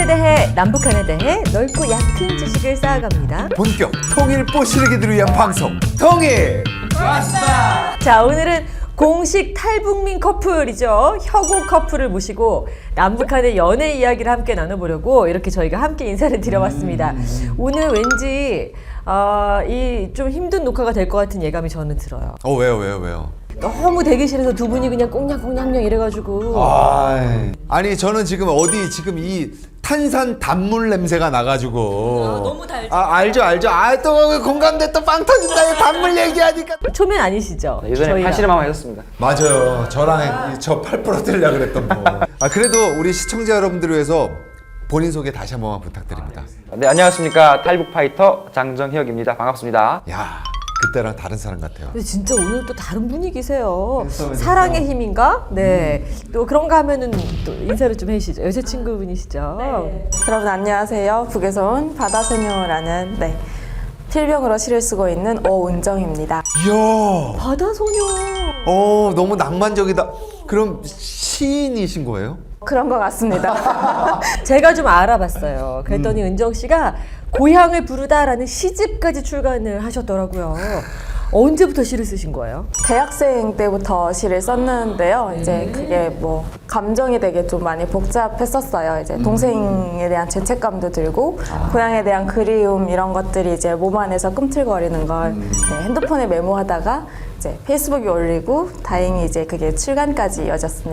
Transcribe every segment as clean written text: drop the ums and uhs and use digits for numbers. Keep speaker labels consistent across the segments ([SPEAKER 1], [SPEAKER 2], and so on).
[SPEAKER 1] 북한에 대해, 남북한에 대해 넓고 얕은 지식을 쌓아갑니다.
[SPEAKER 2] 본격 통일 뽀시르기들을 위한 방송 통일
[SPEAKER 1] 자, 오늘은 공식 탈북민 커플이죠. 혁오 커플을 모시고 남북한의 연애 이야기를 함께 나눠보려고 이렇게 저희가 함께 인사를 드려봤습니다. 오늘 왠지 이 좀 힘든 녹화가 될 것 같은 예감이 저는 들어요.
[SPEAKER 2] 왜요?
[SPEAKER 1] 너무 대기실에서 두 분이 그냥 꽁냥꽁냥냥 이래가지고
[SPEAKER 2] 아니 저는 지금 지금 이 탄산 단물 냄새가 나가지고
[SPEAKER 1] 너무 달죠?
[SPEAKER 2] 알죠 또 공감대 또 빵 터진다 이 단물 얘기하니까
[SPEAKER 1] 초면 아니시죠?
[SPEAKER 3] 예전에
[SPEAKER 1] 저희가.
[SPEAKER 3] 팔씨름 한번 했었습니다.
[SPEAKER 2] 맞아요 저랑 저 팔 부러뜨리려고 그랬던 거 그래도 우리 시청자 여러분들을 위해서 본인 소개 다시 한 번만 부탁드립니다.
[SPEAKER 3] 네, 안녕하십니까. 탈북 파이터 장정혁입니다. 반갑습니다.
[SPEAKER 2] 야 그때랑 다른 사람 같아요.
[SPEAKER 1] 근데 진짜 오늘 또 다른 분위기세요. 사랑의 힘인가? 네. 또 그런가 하면은 또 인사를 좀 해주시죠. 여자친구분이시죠?
[SPEAKER 4] 네. 여러분 안녕하세요. 북에서 온 바다소녀라는 필명으로 시를 쓰고 있는 오은정입니다.
[SPEAKER 2] 이야
[SPEAKER 1] 바다소녀.
[SPEAKER 2] 너무 낭만적이다. 그럼 시인이신 거예요?
[SPEAKER 4] 그런 것 같습니다.
[SPEAKER 1] 제가 좀 알아봤어요. 그랬더니 은정 씨가 고향을 부르다라는 시집까지 출간을 하셨더라고요. 언제부터 시를 쓰신 거예요?
[SPEAKER 4] 대학생 때부터 시를 썼는데요. 이제 그게 뭐 감정이 되게 좀 많이 복잡했었어요. 이제 동생에 대한 죄책감도 들고 고향에 대한 그리움 이런 것들이 이제 몸 안에서 꿈틀거리는 걸 핸드폰에 메모하다가 이제 페이스북에 올리고 다행히 이제 그게 출간까지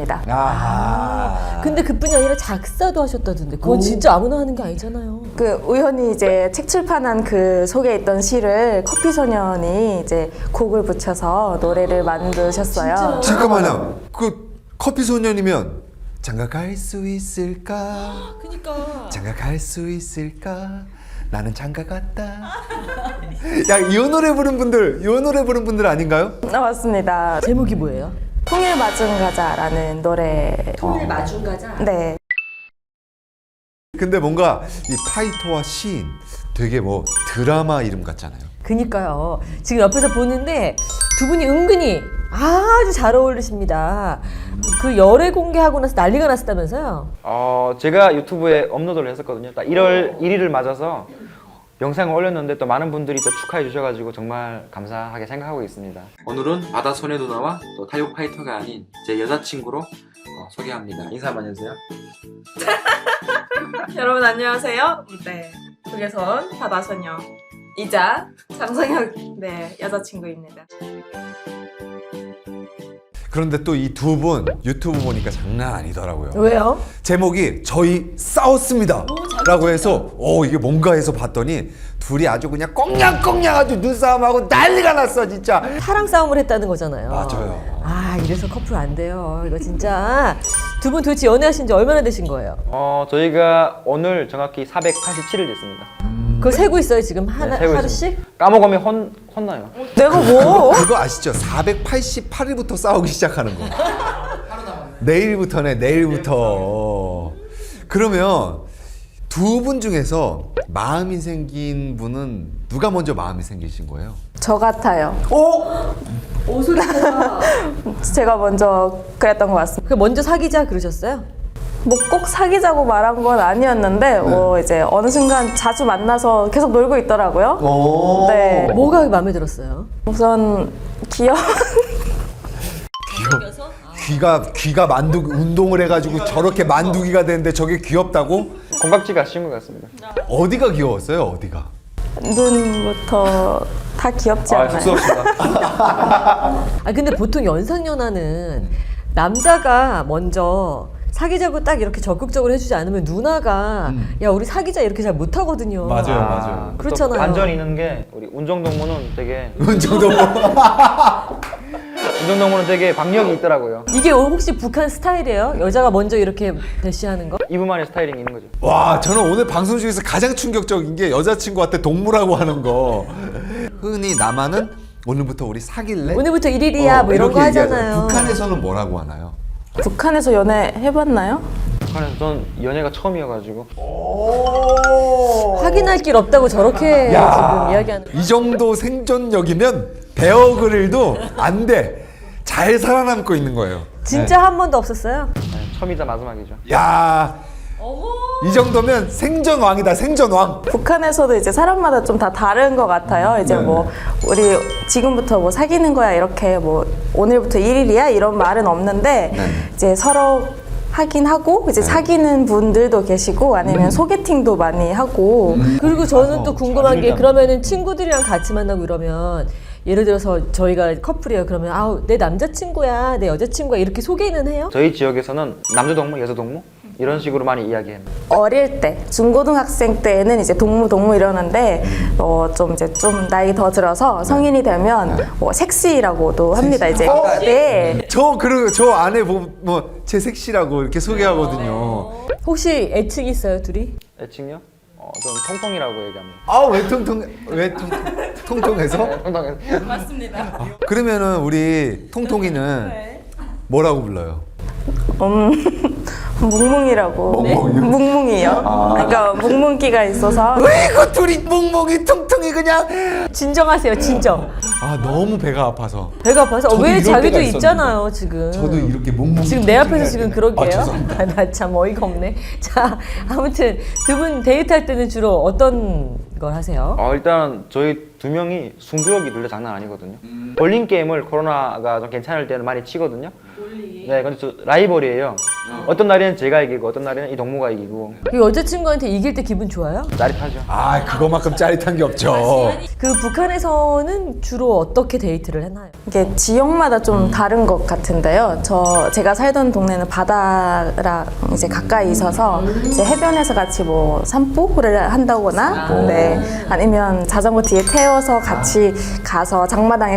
[SPEAKER 4] 이어졌습니다.
[SPEAKER 1] 근데 그뿐이 아니라 작사도 하셨다던데 그건 진짜 아무나 하는 게 아니잖아요.
[SPEAKER 4] 그 우연히 이제 책 출판한 그 속에 있던 시를 커피소년이 이제 곡을 붙여서 노래를 만드셨어요.
[SPEAKER 2] 잠깐만요. 그 커피 소년이면 장가갈 수 있을까?
[SPEAKER 1] 그니까.
[SPEAKER 2] 장가갈 수 있을까? 나는 장가 갔다. 야, 이 노래 부른 분들 아닌가요?
[SPEAKER 4] 맞습니다.
[SPEAKER 1] 제목이 뭐예요?
[SPEAKER 4] 통일 마중 가자라는 노래.
[SPEAKER 1] 통일 마중 가자.
[SPEAKER 4] 네.
[SPEAKER 2] 근데 뭔가 이 파이터와 시인 되게 뭐 드라마 이름 같잖아요.
[SPEAKER 1] 그니까요. 지금 옆에서 보는데 두 분이 은근히 아주 잘 어울리십니다. 그 열애 공개하고 나서 난리가 났었다면서요?
[SPEAKER 3] 제가 유튜브에 업로드를 했었거든요. 딱 1월 1일을 맞아서 영상을 올렸는데 또 많은 분들이 또 축하해 주셔가지고 정말 감사하게 생각하고 있습니다. 오늘은 바다소녀 누나와 또 탈북 파이터가 아닌 제 여자친구로 소개합니다. 인사 한번 해주세요.
[SPEAKER 4] 여러분 안녕하세요. 네. 북에서 온 바다소녀 이자 장성혁 여자친구입니다.
[SPEAKER 2] 그런데 또 이 두 분 유튜브 보니까 장난 아니더라고요.
[SPEAKER 1] 왜요?
[SPEAKER 2] 제목이 저희 싸웠습니다 라고 해서 이게 뭔가 해서 봤더니 둘이 아주 그냥 꽁냥꽁냥 아주 눈싸움하고 난리가 났어 진짜.
[SPEAKER 1] 사랑 싸움을 했다는 거잖아요.
[SPEAKER 2] 맞아요.
[SPEAKER 1] 이래서 커플 안 돼요. 이거 진짜. 두 분 도대체 연애하신 지 얼마나 되신 거예요?
[SPEAKER 3] 저희가 오늘 정확히 487일 됐습니다.
[SPEAKER 1] 그거 세고 있어요 지금
[SPEAKER 3] 세고
[SPEAKER 1] 하루씩?
[SPEAKER 3] 있습니다. 까먹으면 혼나요.
[SPEAKER 1] 내가 뭐?
[SPEAKER 2] 그거 아시죠? 488일부터 싸우기 시작하는 거. 내일부터네, 내일부터. 그러면 두 분 중에서 마음이 생긴 분은 누가 먼저 마음이 생기신 거예요?
[SPEAKER 4] 저 같아요.
[SPEAKER 1] 오소리가.
[SPEAKER 4] 제가 먼저 그랬던 것 같습니다.
[SPEAKER 1] 그 먼저 사귀자 그러셨어요?
[SPEAKER 4] 뭐 꼭 사귀자고 말한 건 아니었는데 이제 어느 순간 자주 만나서 계속 놀고 있더라고요. 네.
[SPEAKER 1] 뭐가 마음에 들었어요?
[SPEAKER 4] 우선
[SPEAKER 2] 귀가 만두기 운동을 해가지고 저렇게 만두기가 되는데 저게 귀엽다고?
[SPEAKER 3] 공각지가 쉬운 것 같습니다.
[SPEAKER 2] 어디가 귀여웠어요? 어디가?
[SPEAKER 4] 눈부터 다 귀엽지 않나요?
[SPEAKER 3] 쑥스럽습니다.
[SPEAKER 1] 근데 보통 연상연하는 남자가 먼저 사귀자고 딱 이렇게 적극적으로 해주지 않으면 누나가 야 우리 사귀자 이렇게 잘 못하거든요.
[SPEAKER 2] 맞아요.
[SPEAKER 1] 그렇잖아요.
[SPEAKER 3] 또 반전이 있는 게 우리 운정동무는 되게 운정동무는 되게 박력이 있더라고요.
[SPEAKER 1] 이게 혹시 북한 스타일이에요? 여자가 먼저 이렇게 대시하는 거?
[SPEAKER 3] 이분만의 스타일링이 있는 거죠.
[SPEAKER 2] 와, 저는 오늘 방송 중에서 가장 충격적인 게 여자친구한테 동무라고 하는 거. 흔히 남한은 오늘부터 우리 사귈래?
[SPEAKER 1] 오늘부터 1일이야 뭐 이런
[SPEAKER 2] 이렇게
[SPEAKER 1] 거
[SPEAKER 2] 얘기하잖아요.
[SPEAKER 1] 하잖아요.
[SPEAKER 2] 북한에서는 뭐라고 하나요?
[SPEAKER 4] 북한에서 연애 해봤나요?
[SPEAKER 3] 북한에서 전 연애가 처음이어가지고
[SPEAKER 1] 확인할 길 없다고 저렇게 지금 이야기하는
[SPEAKER 2] 이 정도 생존력이면 베어그릴도 안 돼. 잘 살아남고 있는 거예요.
[SPEAKER 1] 진짜 한 번도 없었어요?
[SPEAKER 3] 처음이자 마지막이죠.
[SPEAKER 2] 야,
[SPEAKER 1] 어머
[SPEAKER 2] 이 정도면 생존왕이다, 생존왕.
[SPEAKER 4] 북한에서도 이제 사람마다 좀 다 다른 것 같아요. 이제
[SPEAKER 2] 네.
[SPEAKER 4] 뭐 우리 지금부터 뭐 사귀는 거야 이렇게 뭐 오늘부터 1일이야 이런 말은 없는데
[SPEAKER 2] 네.
[SPEAKER 4] 이제 서로 하긴 하고 이제 사귀는 분들도 계시고 아니면 소개팅도 많이 하고
[SPEAKER 1] 그리고 저는 또 궁금한 게 그러면은 친구들이랑 같이 만나고 이러면 예를 들어서 저희가 커플이에요. 그러면 아우 내 남자친구야, 내 여자친구야 이렇게 소개는 해요?
[SPEAKER 3] 저희 지역에서는 남자 동무, 여자 동무 이런 식으로 많이 이야기해요.
[SPEAKER 4] 어릴 때 중고등학생 때는 이제 동무 이러는데 좀 이제 좀 나이 더 들어서 성인이 되면 뭐 섹시라고도 합니다. 이제 네.
[SPEAKER 2] 저 안에 뭐제 섹시라고 이렇게 소개하거든요.
[SPEAKER 1] 혹시 애칭 있어요, 둘이?
[SPEAKER 3] 애칭요? 저는 통통이라고 얘기합니다.
[SPEAKER 2] 아, 왜 통통해서?
[SPEAKER 3] 통통해서.
[SPEAKER 2] 그러면은 우리 통통이는 뭐라고 불러요?
[SPEAKER 4] 뭉뭉이라고. 뭉뭉이요. 그러니까 뭉뭉기가 있어서.
[SPEAKER 2] 왜 이거 둘이 뭉뭉이 통통이 그냥.
[SPEAKER 1] 진정하세요, 진정.
[SPEAKER 2] 아, 너무 배가 아파서.
[SPEAKER 1] 배가 아파서
[SPEAKER 2] 저도
[SPEAKER 1] 왜
[SPEAKER 2] 이럴
[SPEAKER 1] 자기도
[SPEAKER 2] 때가
[SPEAKER 1] 있잖아요, 지금.
[SPEAKER 2] 저도 이렇게 뭉뭉이.
[SPEAKER 1] 지금 내 앞에서 지금
[SPEAKER 2] 아,
[SPEAKER 1] 그러게요.
[SPEAKER 2] 죄송합니다.
[SPEAKER 1] 나 참 어이가 없네. 자, 아무튼 두 분 데이트할 때는 주로 어떤 걸 하세요?
[SPEAKER 3] 일단 저희 두 명이 승부욕이 둘 다 장난 아니거든요. 볼링 게임을 코로나가 좀 괜찮을 때는 많이 치거든요. 네, 근데 저 라이벌이에요. 어떤 날에는 제가 이기고 어떤 날에는 이 동무가 이기고
[SPEAKER 1] 그 여자친구한테 이길 때 기분 좋아요?
[SPEAKER 3] 짜릿하죠.
[SPEAKER 2] 아, 그거만큼 짜릿한 게 없죠.
[SPEAKER 1] 그 북한에서는 주로 어떻게 데이트를 해나요?
[SPEAKER 4] 이게 지역마다 좀 다른 것 같은데요. 제가 살던 동네는 바다랑 이제 가까이 있어서 이제 해변에서 같이 뭐 산보를 한다거나, 네, 아니면 자전거 뒤에 태워서 같이 가서 장마당에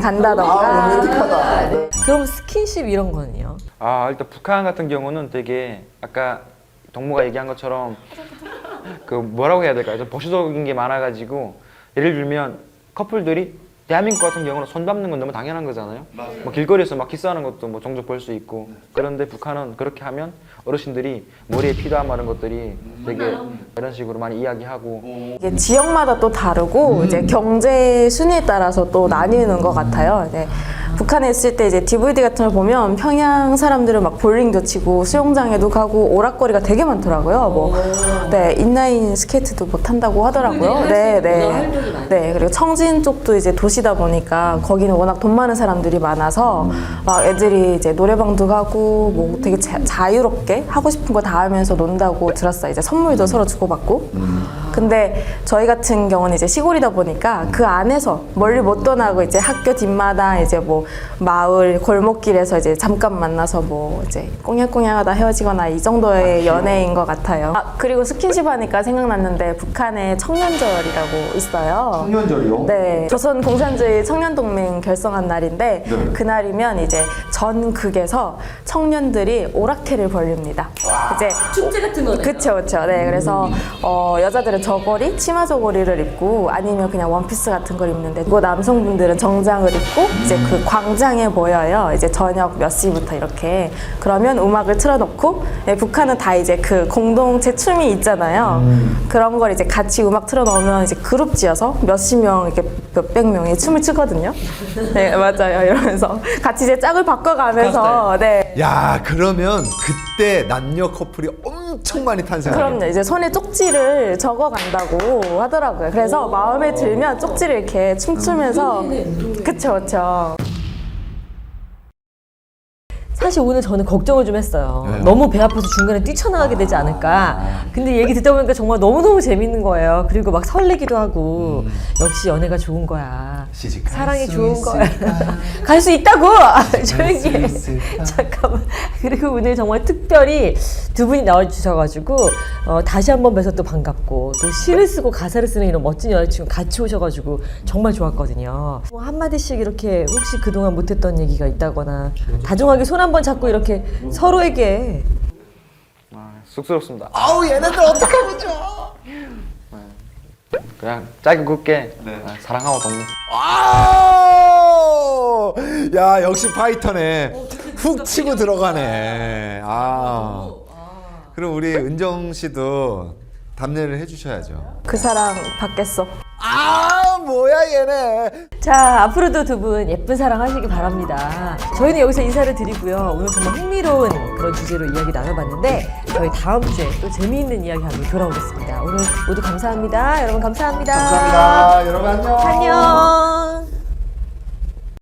[SPEAKER 4] 간다던가.
[SPEAKER 1] 그럼 스킨십 이런 거는요?
[SPEAKER 3] 일단 북한 같은 경우는 되게 아까 동무가 얘기한 것처럼 그 뭐라고 해야 될까요? 좀 보수적인 게 많아가지고 예를 들면 커플들이 대한민국 같은 경우는 손 밟는 건 너무 당연한 거잖아요. 뭐 길거리에서 막 키스하는 것도 뭐 종종 볼 수 있고. 그런데 북한은 그렇게 하면 어르신들이 머리에 피다 마른 것들이 되게 이런 식으로 많이 이야기하고.
[SPEAKER 4] 이게 지역마다 또 다르고 이제 경제 순위에 따라서 또 나뉘는 것 같아요. 이제 북한에 있을 때 이제 DVD 같은 걸 보면 평양 사람들은 막 볼링도 치고 수영장에도 가고 오락거리가 되게 많더라고요. 뭐, 네, 인라인 스케이트도 못 한다고 하더라고요. 네, 그리고 청진 쪽도 이제 도시다 보니까 거기는 워낙 돈 많은 사람들이 많아서 막 애들이 이제 노래방도 가고 뭐 되게 자유롭게 하고 싶은 거 다 하면서 논다고 들었어요. 이제 선물도 서로 주고받고. 근데 저희 같은 경우는 이제 시골이다 보니까 그 안에서 멀리 못 떠나고 이제 학교 뒷마당 이제 뭐 마을 골목길에서 이제 잠깐 만나서 뭐 이제 꽁냥꽁냥하다 헤어지거나 이 정도의 연애인 것 같아요. 그리고 스킨십 하니까 생각났는데 북한에 청년절이라고 있어요.
[SPEAKER 2] 청년절이요?
[SPEAKER 4] 네, 조선 공산주의 청년동맹 결성한 날인데 그날이면 이제 전 극에서 청년들이 오락회를 벌립니다. 이제
[SPEAKER 1] 축제 같은 거네요.
[SPEAKER 4] 그쵸. 네, 그래서 여자들은 저고리, 치마 저고리를 입고 아니면 그냥 원피스 같은 걸 입는데 그 남성분들은 정장을 입고 이제 그 광장에 모여요. 이제 저녁 몇 시부터 이렇게. 그러면 음악을 틀어놓고 네, 북한은 다 이제 그 공동체 춤이 있잖아요. 그런 걸 이제 같이 음악 틀어놓으면 이제 그룹 지어서 몇십 명 이렇게 몇백 명이 춤을 추거든요. 네, 맞아요. 이러면서 같이 이제 짝을 바꿔가면서 네.
[SPEAKER 2] 야, 그러면 그때 남녀 커플이 엄청 많이 탄생하겠네.
[SPEAKER 4] 그럼요. 이제 손에 쪽지를 적어간다고 하더라고요. 그래서 마음에 들면 쪽지를 이렇게 춤추면서 그쵸.
[SPEAKER 1] 사실 오늘 저는 걱정을 좀 했어요.
[SPEAKER 2] 왜요?
[SPEAKER 1] 너무 배 아파서 중간에 뛰쳐나가게 되지 않을까. 근데 얘기 듣다 보니까 정말 너무너무 재밌는 거예요. 그리고 막 설레기도 하고 역시 연애가 좋은 거야.
[SPEAKER 2] 시집 갈
[SPEAKER 1] 사랑이
[SPEAKER 2] 수
[SPEAKER 1] 좋은 거야.
[SPEAKER 2] 있을까?
[SPEAKER 1] 갈 수 있다고! 조용히 해.
[SPEAKER 2] 있을까?
[SPEAKER 1] 잠깐만. 그리고 오늘 정말 특별히 두 분이 나와주셔가지고 다시 한번 뵈서 또 반갑고 또 시를 쓰고 가사를 쓰는 이런 멋진 여자친구 같이 오셔가지고 정말 좋았거든요. 뭐 한마디씩 이렇게 혹시 그동안 못했던 얘기가 있다거나 다정하게 손 한번 잡고 이렇게 서로에게
[SPEAKER 3] 쑥스럽습니다.
[SPEAKER 2] 아우, 얘네들 어떡하면 좋아.
[SPEAKER 3] 그냥 짧게 굵게 사랑하고 동무.
[SPEAKER 2] 아우! 야, 역시 파이터네. 훅 치고 들어가네. 그럼 우리 은정 씨도 답례를 해주셔야죠.
[SPEAKER 4] 그 사람 받겠어.
[SPEAKER 2] 뭐야 얘네.
[SPEAKER 1] 자, 앞으로도 두 분 예쁜 사랑 하시기 바랍니다. 저희는 여기서 인사를 드리고요. 오늘 정말 흥미로운 그런 주제로 이야기 나눠봤는데 저희 다음 주에 또 재미있는 이야기 하고 돌아오겠습니다. 오늘 모두 감사합니다. 여러분 감사합니다.
[SPEAKER 2] 감사합니다. 여러분 안녕.
[SPEAKER 1] 안녕.